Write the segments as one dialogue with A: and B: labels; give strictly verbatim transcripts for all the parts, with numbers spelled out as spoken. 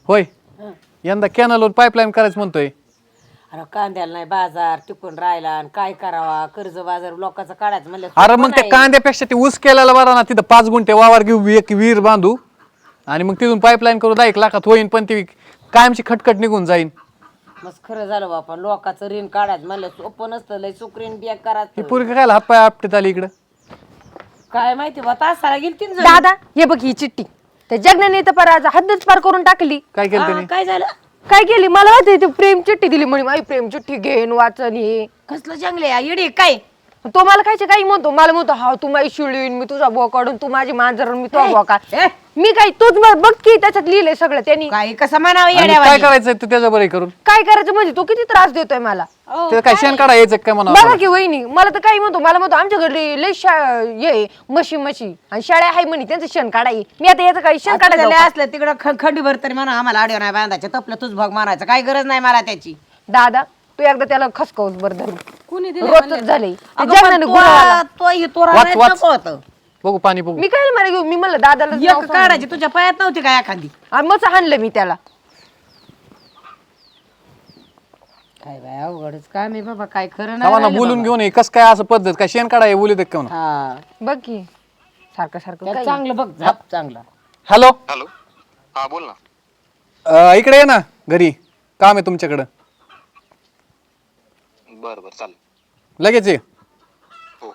A: होय यंदा कॅनलवर पाईपलाईन करायचं म्हणतोय.
B: अरे कांद्याला नाही बाजार टिकून राहिला आणि काय करावा कर्ज बाजार लोकांचं काढायचं म्हणलं
A: अरे मग त्या कांद्यापेक्षा ते ऊस केलेला बरा ना. तिथं पाच गुंठे वावर घेऊ एक विहीर बांधू आणि मग तिथून पाईपलाईन करू दहा एक लाखात होईन पण ती कायमची खटखट निघून जाईन.
B: मस्त खरं झालं बापा लोकांचं ऋण काढायचं म्हणलं सोपं नसतं लय सुकरीन बिया
A: ही
B: करायचं
A: पोरगी काय हातपाय आपटीत आली इकडं.
B: काय माहिती बा तासाला गेली तीन
C: दादा हे बघ ही चिठ्ठी त्या जगनाने तर पार आज हद्दच पार करून टाकली.
A: काय केलं त्याने?
B: काय झालं
C: काय केली मला माहिती ती प्रेम चिठ्ठी दिली म्हणे माझी प्रेम चिठ्ठी घेन वाचन हे
B: कसलं जंगले येडे काय
C: तो मला खायचे काही म्हणतो मला म्हणतो हा तू माझी शिळीन मी तुझा बुवा काढून तू माझी मांजर मी तो बुवा का
B: ए,
C: मी काय तूच बघ बघ की त्याच्यात लिहिलंय सगळं त्यांनी
B: काय कसं म्हणावं
A: आणि काय
B: येड्यावानी?
A: करायचंय तू त्याच्या बरं करून
C: काय करायचं म्हणजे तो किती त्रास देतोय मला
B: अहो,
A: ते काय शेण काढा यायचं काय म्हणा.
C: बघा की वहिनी मला तर काही म्हणतो मला म्हणतो आमच्या घरी लय शा ये म्हशी म्हशी आणि शाळा आहे म्हणे त्यांचं शेण काढाय मी आता याचं काही शेण
B: आता
C: काढायचं
B: लय असलं तिकडं खंडीभर तरी म्हणा आम्हाला आडव नाही बांधायचं तपलं तुझ भाग मारायचं काय गरज नाही मला त्याची
C: दादा तू एकदा त्याला खसकावूस बरं धरून
B: कुणी
C: रोजच झाले
B: अगं, पण तो- तो हे तो
A: वाच,
B: रानात
A: वाच.
B: नको होतं.
A: बघू पाणी बघू.
C: मी काय मला घेऊ मी म्हणलं दादाला
B: एक काढायची तुझ्या पायात नव्हती काय एखादी
C: आणि मग हाणलं मी त्याला
B: काय बाय अवघडच काय मी बाबा काय खरं
A: आम्हाला
B: नाही राहिलं
A: बोलून
B: बाबा.
A: घेऊन ये कस काय असं पद्धत काय शेण काढा बोलू दे का म्हणा.
B: हा
C: बघ की सारखं सारखं
B: त्याला
C: काय.
B: चांगलं बघ झाप चांगला
A: हॅलो
D: हॅलो हा बोल ना.
A: अं, इकडे ये ना घरी काम आहे तुमच्याकडं.
D: बरं बरं चालेल.
A: लगेच ये.
D: हो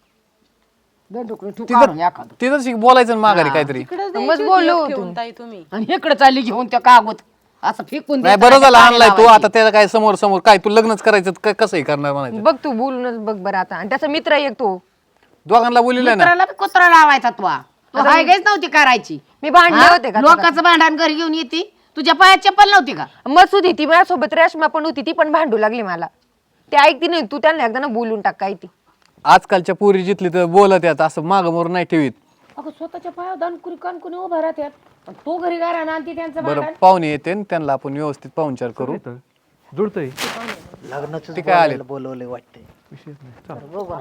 B: दंडुकडे ठू काढून एखादं.
A: तिथंच शिक- बोलायचं ना माघारी काहीतरी.
C: मग बोललो होतो
B: आणि इकडे चालली घेऊन त्या कागद असं फेकून
A: नाही
B: द्यायचं,
A: बरं झालं
B: पाणी
A: आणलाय तू
B: लावायची.
A: आता त्याला काय समोर समोर काय तू लग्नच करायचं काय कसंही करणार म्हणायचं.
C: बघ तू बोलूनच बघ बरं आता आणि त्याचा मित्र एक तो
A: दोघांना बोलिले ना.
B: कुत्राला बी कुत्रा लावायचा तू हा. तू हाय गायच नव्हती करायची
C: मी भांडले
B: हा?
C: होते का
B: लोकांचं भांडण घरी घेऊन येते तुझ्या पायात चप्पल नव्हती का
C: मस्त होती ती माझ्यासोबत रेशमा पण होती ती पण भांडू लागली मला ते ऐकती नाही तू त्यांना एकदा ना बोलून टाक काय ती
A: आजकालच्या पोरी जिथली तर बोलत यात असं माग मोर नाही ठेवीत.
B: अगं स्वतःच्या पायावर दानकुरी कानकुनी उभा राहतात तो घरी गारा ना ती त्यांचं
A: बरं पाहुणे येते न त्यांना आपण व्यवस्थित पाहुणचार करू. जुळतंय
E: लग्नाचं
A: ते काय आले
E: बोलवलंय वाटतंय.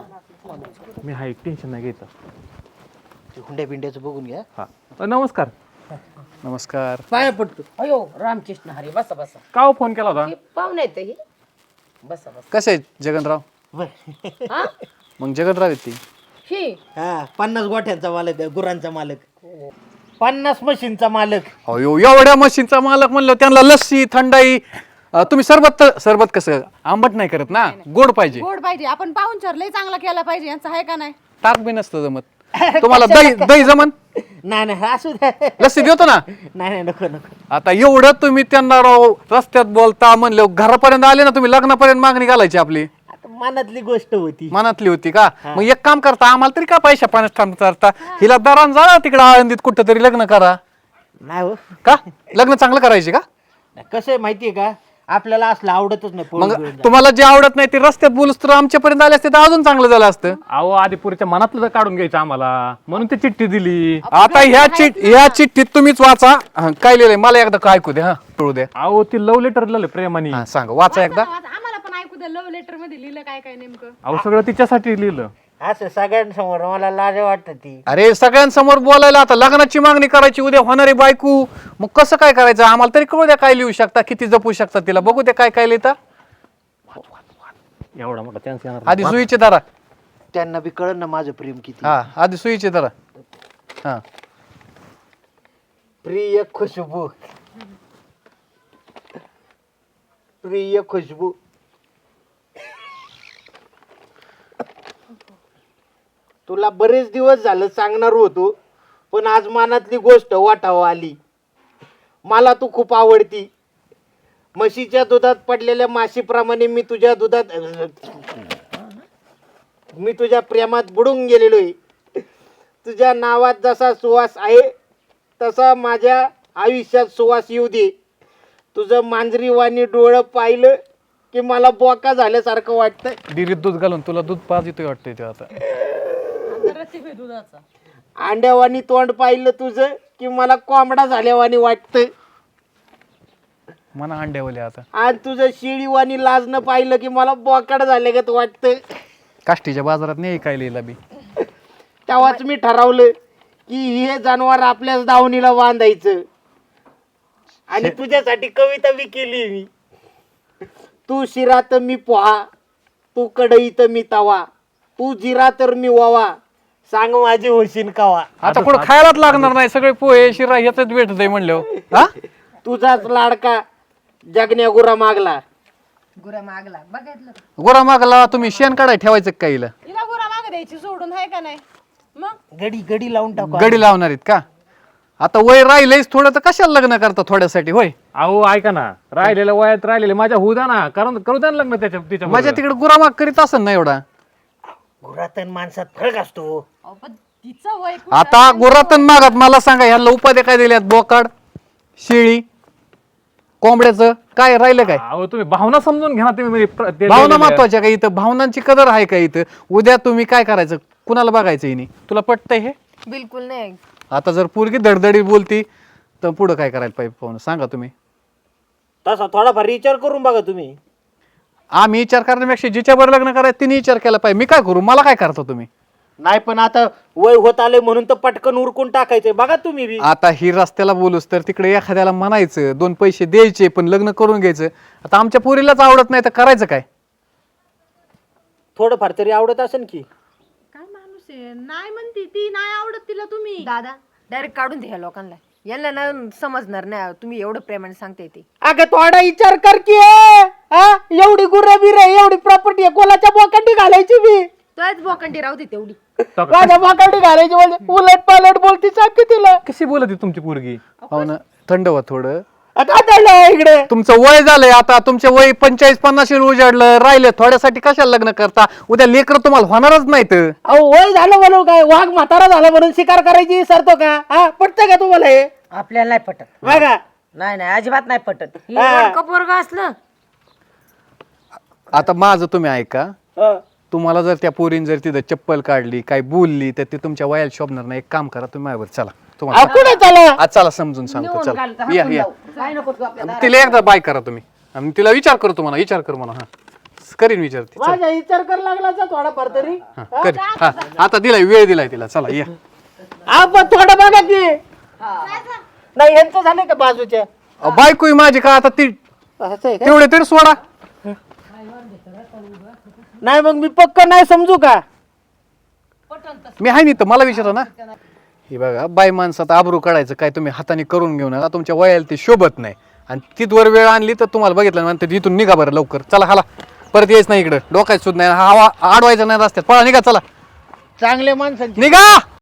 F: मी हा एक टेन्शन नाही घ्यायचं.
E: ते हुंड्या बिंड्याचं बघून घ्या.
F: हा अ, नमस्कार.
A: नमस्कार.
B: पाया पडतो अयो रामकृष्ण हरी बसा बसा
F: का हो फोन केला होता?
B: हे पाहुणे आहेत हे बसा बसा
A: कसे आहेत जगनराव?
B: हा
A: मग जगनराव आहेत ती.
B: ही
E: हा पन्नास गोठ्यांचा मालक आहे, गुरांचा मालक, पन्नास मशीनचा मालक.
A: अयो एवढ्या मशीनचा मालक म्हणलं त्यांना लस्सी थंडाई अं, तुम्ही सरबत तर- सरबत कसं आंबट नाही करत ना गोड पाहिजे.
G: गोड पाहिजे आपण पाहुणचार लय चांगला केला पाहिजे यांचं आहे का नाही
A: ताक बी नसतं जमत. तुम्हाला दही दही जमन
E: नाही नाही असू द्या.
A: लस्सी देतो ना.
E: नाही नाही नको नको.
A: आता एवढं तुम्ही त्यांना राव रस्त्यात बोलता म्हणले घरापर्यंत आले ना तुम्ही लग्नापर्यंत मागणी घालायची आपली
E: आता मनातली गोष्ट होती.
A: मनातली होती का. मग एक काम करता आम्हाला तरी का पैशा पाण्यात थांबता हिला दरान जा तिकडे आळंदीत कुठं तरी लग्न करा.
E: नाही हो
A: का लग्न चांगलं करायचे का.
E: कसं आहे माहितीये का आपल्याला असलं आवडतच नाही.
A: मग
E: पोरं बिरं.
A: तुम्हाला जे आवडत नाही ते रस्त्यात बोलूस तर आमच्यापर्यंत आले असते तर अजून चांगलं झालं असतं.
F: अहो आदिपुरीच्या मनातलं तर काढून घ्यायचं आम्हाला म्हणून ती चिठ्ठी दिली.
A: आता ह्या चिठ ह्या चिठ्ठीत तुम्हीच वाचा. हं, काय लिहिलंय मला एकदा काय ऐकू द्या. हा कळू द्या.
F: अहो ती लव्ह लेटर लिहिलं प्रेमाने.
A: हा सांगा वाचा एकदा.
G: आता आम्हाला पण ऐकू द्या लव्ह लेटर मध्ये लिहिलं काय काय नेमकं
F: अहो सगळं तिच्यासाठी लिहिलं.
E: असं सगळ्यांसमोर मला लाज वाटत ती.
A: अरे सगळ्यांसमोर बोलायला आता लग्नाची मागणी करायची उद्या होणारी बायको मग कसं काय करायचं आम्हाला तरी कळू द्या काय लिहू शकता किती जपू शकता तिला बघू द्या काय काय लिहिता.
F: एवढा मोठा चान्स येणार
A: आधी सुईचे दारा.
E: त्यांना बी कळन ना माझं प्रेम किती.
A: हा आधी सुईचे दारा. हा
E: प्रिय खुशबू, प्रिय खुशबू, तुला बरेच दिवस झालं सांगणार होतो पण आज मनातली गोष्ट वाटावं आली. मला तू खूप आवडती. म्हशीच्या दुधात पडलेल्या माशीप्रमाणे मी तुझ्या दुधात मी तुझ्या प्रेमात बुडून गेलेलो आहे. तुझ्या नावात जसा सुवास आहे तसा माझ्या आयुष्यात सुवास येऊ दे. तुझं मांजरीवाणी डोळं पाहिलं की मला बोका झाल्यासारखं वाटतं.
A: डिरीत दूध घालून तुला दूध पाज येतोय वाटतंय ते आता.
E: अंड्यावानी तोंड पाहिलं तुझं की मला कोंबडा झाल्यावानी वाटतं.
A: मना अंड्यावले आता.
E: आणि तुझं शिळीवानी लाजणं पाहिलं की मला बोकाड झाल्यागत वाटतं.
A: काष्टीच्या बाजारात नाही काय लिहिला बी.
E: तेव्हाच मी ठरवलं की हे जनावर आपल्याच दावणीला बांधायचं आणि तुझ्यासाठी कविता बी केली मी. तू शिरा तर मी पोहा, तू कढई तर मी तवा, तू जिरा तर मी वावा, सांग माझी होशील कावा.
A: आता पुढे खायलाच लागणार नाही, सगळे पोहे शिरा ह्याच भेटत आहे म्हणल्यावर हा.
E: तुझाच लाडका जगण्या गुरा मागला.
C: गुरा मागला बघितलं का?
A: गोरा मागला तुम्ही शेण काढाय ठेवायचं का हिला?
G: हिला गुरा माग द्यायची सोडून आहे का नाही मग?
E: गडी गडी लावून टाकू.
A: गडी लावणार आहेत का? आता वय राहिलंयच थोडं तर कशाला लग्न करता थोड्यासाठी होय?
F: अहो ऐका ना, राहिलेल्या वयात राहिलेले माझ्या होऊ द्या ना, कारण करू द्या ना लग्न त्याच्या तिच्या
A: माझ्या तिकडे गुरामाग करीत असेल ना एवढा.
E: गुरातन माणसात फरक असतो.
G: अहो, पण तिचं वय खूप
A: आता गुरातन मागात मला सांगा ह्याला उपाध्या काय दिल्यात? बोकाड, शेळी, कोंबड्याचं काय राहिलं काय?
F: अहो तुम्ही भावना समजून घ्या ना तुम्ही म्हणजे प्र- ते
A: भावना
F: दिलेल्या-
A: महत्वाच्या का इथं? भावनांची कदर आहे का इथं? उद्या तुम्ही काय करायचं? कुणाला बघायचं हिने? तुला पटतंय हे?
C: बिलकुल नाही.
A: आता जर पोरगी धडधडी बोलती तर पुढं काय करायला पाहिजे पाहून सांगा तुम्ही.
E: तसा थोडाफार विचार करून बघा तुम्ही.
A: आम्ही विचार करण्यापेक्षा जिच्यावर लग्न करायचं तिने विचार केला पाहिजे. मी काय करू? मला काय करता तुम्ही?
E: नाही पण आता वय होत आले म्हणून तर पटकन उरकून टाकायचंय. बघा तुम्ही बी.
A: आता ही रस्त्याला बोलूस तर तिकडे एखाद्याला म्हणायचं, दोन पैसे द्यायचे पण लग्न करून घ्यायचं. आता आमच्या पोरीलाच आवडत नाही तर करायचं काय?
E: थोडंफार तरी आवडत असेल की.
G: काय माणूस आहे, नाही म्हणती ती, नाही आवडत तिला तुम्ही.
C: दादा डायरेक्ट काढून द्या लोकांना, यांना ना समजणार नाही तुम्ही एवढं प्रेमाने सांगते ते.
E: अगं थोडा विचार कर की. हा एवढी गुर्र बिर एवढी प्रॉपर्टी आहे, कोणाच्या बोकांडी घालायची बी?
C: तोच बोकंडी राहू दे तेवढी.
E: माझ्या बोकांडी घालायची म्हणजे उलट पालट बोलती सांग की तिला.
F: कशी बोलत आहे तुमची पोरगी?
A: हो ना, थंड व्हा थोडं.
E: आता चाललंय इकडे.
A: तुमचं वय झालंय आता, तुमचे वय पंचेचाळीस पन्नास उजाडलं राहिले, थोड्यासाठी कशाला लग्न करता? उद्या लेकर तुम्हाला होणारच नाहीत.
E: अहो वय झालं म्हणून काय? वाघ म्हातारा झाला म्हणून शिकार करायची सरतो का? हा पटतंय का तुम्हाला हे?
B: आपल्याला नाही पटत.
E: बघा
B: नाही नाही अजिबात नाही पटत.
E: हा.
B: पोरग असलं
A: आता माझं तुम्ही ऐका.
E: हा.
A: तुम्हाला जर त्या पोरीन जर तिथं चप्पल काढली काय बोलली तर ते तुमच्या वयाला शोभणार नाही. एक काम करा, तुम्ही माझ्यावर चला.
E: अहो,
A: तुम्हाला
E: कुठे चला?
A: आज चला समजून सांगतो. चला या या.
B: काय नको तू आपल्याला.
A: तिला एकदा बाय करा तुम्ही आणि तिला विचार करतो म्हणा, विचार कर म्हणा. हा करीन विचार ती. चला.
E: माझा विचार कर लागला तर थोडाफार तरी.
A: हा, करीन. हा आता दिलाय, वेळ दिलाय तिला. चला या.
E: आपण थोडं बघा की. नाही यांचं झालंय का बाजूच्या?
A: अहो, बायको आहे माझी का आता ती?
E: असं आहे का?
A: तेवढे तरी सोडा.
E: नाही मग मी पक्क नाही समजू का?
A: मी आहे नाही तर मला विचारा ना. हे बघा, बाय माणसात आबरू काढायचं काय तुम्ही हाताने करून घेऊ नका. तुमच्या वयाला ते शोभत नाही आणि तिथवर वेळ आणली तर तुम्हाला बघितलं म्हणते इथून निघा बरं लवकर. चला हाला, परत यायच नाही इकडं. डोकायचं सुद्धा नाही, हवा आडवायचं नाही रस्त्यात. पळा निघा, चला
E: चांगले माणसांची
A: निघा.